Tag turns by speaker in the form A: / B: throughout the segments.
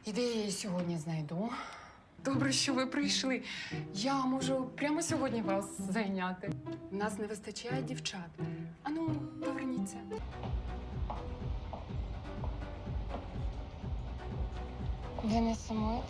A: І де я її сьогодні знайду? Добре, що ви прийшли. Я можу прямо сьогодні вас зайняти. У нас не вистачає дівчат. Ану, поверніться. Ви не сумуєте?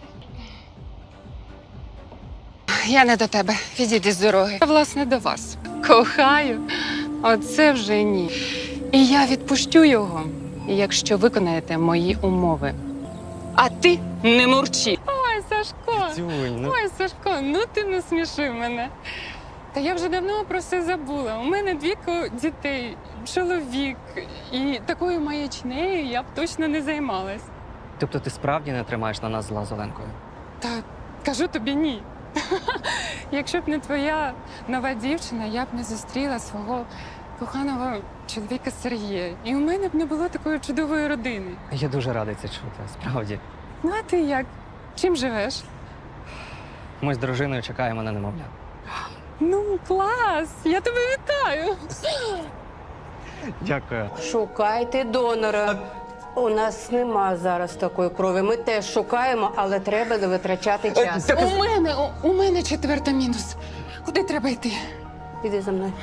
A: Я не до тебе. Відійди з дороги. Я, власне, до вас. Кохаю. Оце вже ні. І я відпущу його, якщо виконаєте мої умови. А ти не мурчи. Ой, Сашко!
B: Тюнь, ну.
A: Ой, Сашко, ну ти не смішив мене. Та я вже давно про це забула. У мене 2 дітей, чоловік. І такою маячнею я б точно не займалась.
B: Тобто ти справді не тримаєш на нас зла з Оленкою?
A: Та кажу тобі ні. Якщо б не твоя нова дівчина, я б не зустріла свого коханого чоловіка Сергія. І у мене б не було такої чудової родини.
B: Я дуже радий це чути, справді.
A: Ну, а ти як? Чим живеш?
B: Ми з дружиною чекаємо на немовля.
A: Ну, клас! Я тебе вітаю!
B: Дякую.
C: Шукайте донора. У нас нема зараз такої крові. Ми теж шукаємо, але треба не витрачати час.
A: У мене 4 мінус. Куди треба йти?
C: Іди за мною.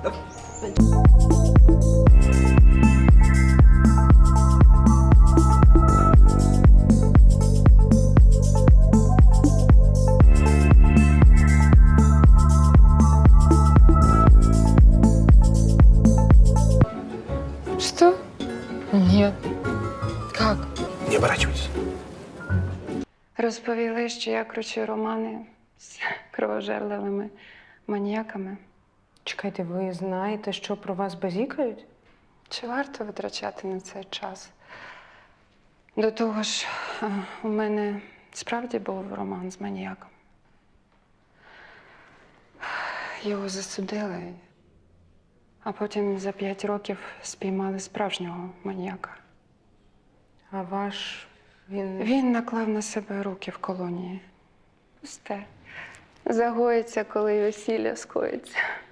A: Что? Нет. Как?
D: Не оборачивайтесь.
A: Розповіли, що я кручу романи з кровожерливими маніяками.
C: Чекайте, ви знаєте, що про вас базікають?
A: Чи варто витрачати на це час? До того ж, у мене справді був роман з маніяком. Його засудили, а потім за 5 років спіймали справжнього маніяка.
C: А ваш він.
A: Він наклав на себе руки в колонії. Пусте. Загоїться, коли весілля скоїться.